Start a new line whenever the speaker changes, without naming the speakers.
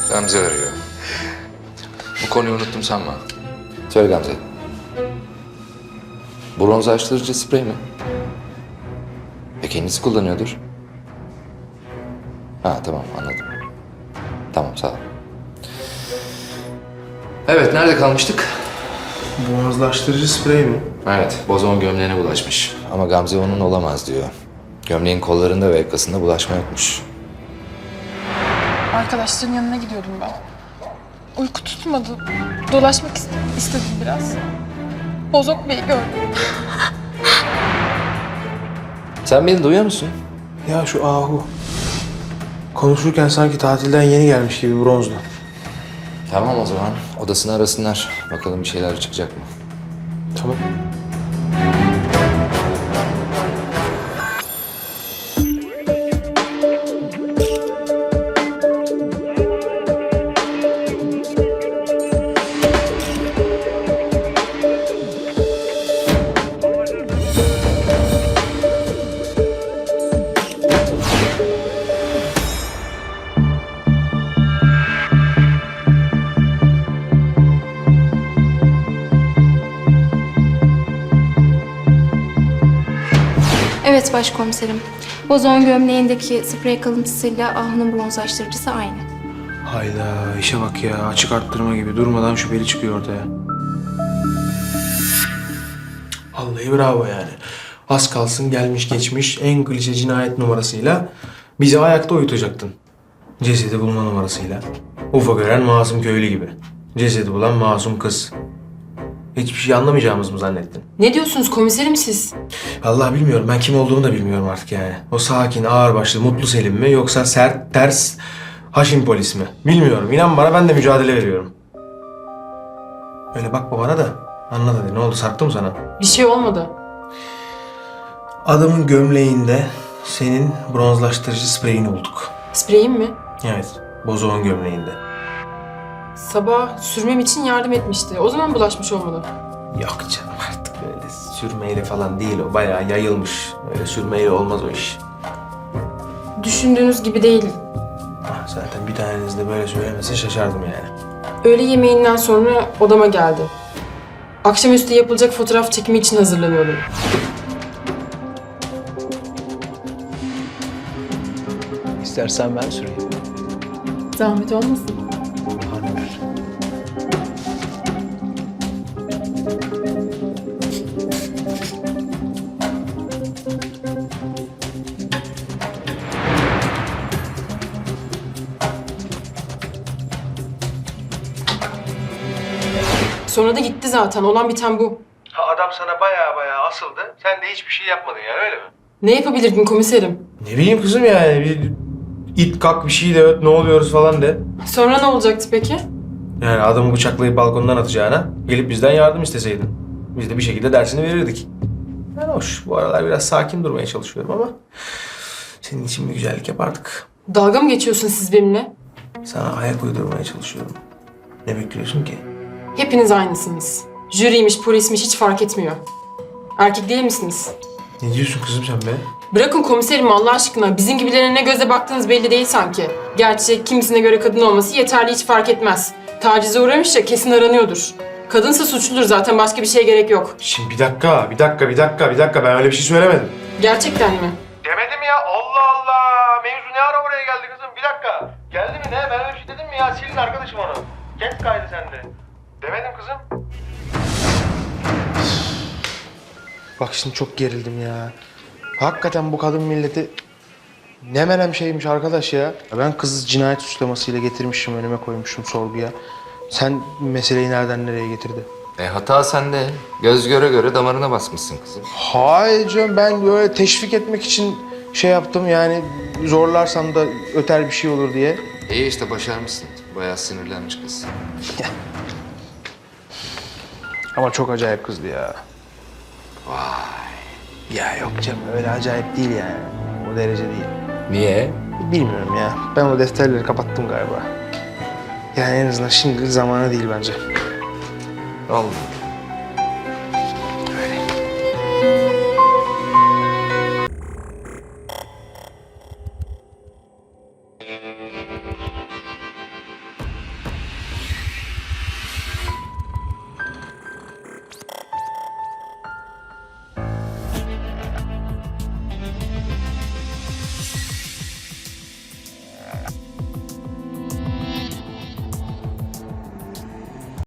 Gamze arıyor. Bu konuyu unuttum sanma. Söyle Gamze. Bronzlaştırıcı sprey mi? Kendisi kullanıyordur. Ha tamam anladım. Tamam sağ ol. Evet nerede kalmıştık?
Bronzlaştırıcı sprey mi?
Evet bozon gömleğine bulaşmış. Ama Gamze onun olamaz diyor. Gömleğin kollarında ve yakasında bulaşma yokmuş.
Arkadaşların yanına gidiyordum ben. Uyku tutmadı. Dolaşmak istedim biraz. Bozok Bey'i gördüm.
Sen beni duyuyor musun?
Ya şu Ahu. Konuşurken sanki tatilden yeni gelmiş gibi bronzlu.
Tamam o zaman odasını arasınlar. Bakalım bir şeyler çıkacak mı?
Tamam.
Evet başkomiserim. Bozon gömleğindeki sprey kalıntısıyla Ahu'nun bronzlaştırıcısı aynı.
Hayda işe bak ya. Açık arttırma gibi durmadan şüpheli çıkıyor ortaya. Vallahi bravo yani. Az kalsın gelmiş geçmiş en klişe cinayet numarasıyla bizi ayakta uyutacaktın. Cesedi bulma numarasıyla. Ufa gören masum köylü gibi. Cesedi bulan masum kız. Hiçbir şey anlamayacağımız mı zannettin?
Ne diyorsunuz komiserim siz?
Vallahi bilmiyorum. Ben kim olduğumu da bilmiyorum artık yani. O sakin, ağırbaşlı, mutlu Selim mi yoksa sert, ters, haşin polis mi? Bilmiyorum. İnan bana ben de mücadele veriyorum. Öyle bakma bana da. Anlat hadi. Ne oldu? Sarktı mı sana?
Bir şey olmadı.
Adamın gömleğinde senin bronzlaştırıcı spreyini bulduk.
Spreyim mi?
Evet. Bozoğun gömleğinde.
Sabah sürmem için yardım etmişti. O zaman bulaşmış olmalı.
Yok canım artık öyle sürmeyle falan değil o. Bayağı yayılmış. Öyle sürmeyle olmaz o iş.
Düşündüğünüz gibi değil.
Ah, zaten bir taneniz de böyle söylemese şaşardım yani.
Öğle yemeğinden sonra odama geldi. Akşamüstü yapılacak fotoğraf çekimi için hazırlanıyordum.
İstersen ben süreyim.
Zahmet olmasın.
Bahane ver.
Sonra da gitti zaten. Olan biten bu.
Ha, adam sana bayağı asıldı. Sen de hiçbir şey yapmadın yani öyle mi?
Ne yapabilirdim komiserim?
Ne bileyim kızım yani bir it kalk bir şey de öt ne oluyoruz falan de.
Sonra ne olacaktı peki?
Yani adamı bıçaklayıp balkondan atacağına gelip bizden yardım isteseydin. Biz de bir şekilde dersini verirdik. Yani hoş bu aralar biraz sakin durmaya çalışıyorum ama senin için bir güzellik yapardık.
Dalga mı geçiyorsun siz benimle?
Sana ayak uydurmaya çalışıyorum. Ne bekliyorsun ki?
Hepiniz aynısınız. Jüriymiş, polismiş hiç fark etmiyor. Erkek değil misiniz?
Ne diyorsun kızım sen be?
Bırakın komiserim Allah aşkına. Bizim gibilerine ne göze baktığınız belli değil sanki. Gerçi kimisine göre kadın olması yeterli hiç fark etmez. Tacize uğramış ya kesin aranıyordur. Kadınsa suçludur zaten başka bir şeye gerek yok.
Şimdi bir dakika ben öyle bir şey söylemedim.
Gerçekten mi?
Demedim ya Allah Allah. Mevzu ne ara oraya geldi kızım bir dakika. Geldi mi ne? Ben öyle bir şey dedim mi ya? Silin arkadaşım onu. Kes kaydı sende. Demedim kızım. Bak şimdi çok gerildim ya. Hakikaten bu kadın milleti ne menem şeymiş arkadaş ya. Ben kızı cinayet suçlamasıyla getirmişim önüme koymuşum sorguya. Sen meseleyi nereden nereye getirdi?
Hata sende. Göz göre göre damarına basmışsın kızım.
Hayır canım ben böyle teşvik etmek için şey yaptım yani zorlarsam da öter bir şey olur diye.
İyi işte başarmışsın. Bayağı sinirlenmiş kız.
Ama çok acayip kızdı ya.
Vay.
Ya yok canım öyle acayip değil yani. O derece değil.
Niye?
Bilmiyorum ya. Ben o defterleri kapattım galiba. Yani en azından şimdilik zamanı değil bence.
Oldu.
Öyle.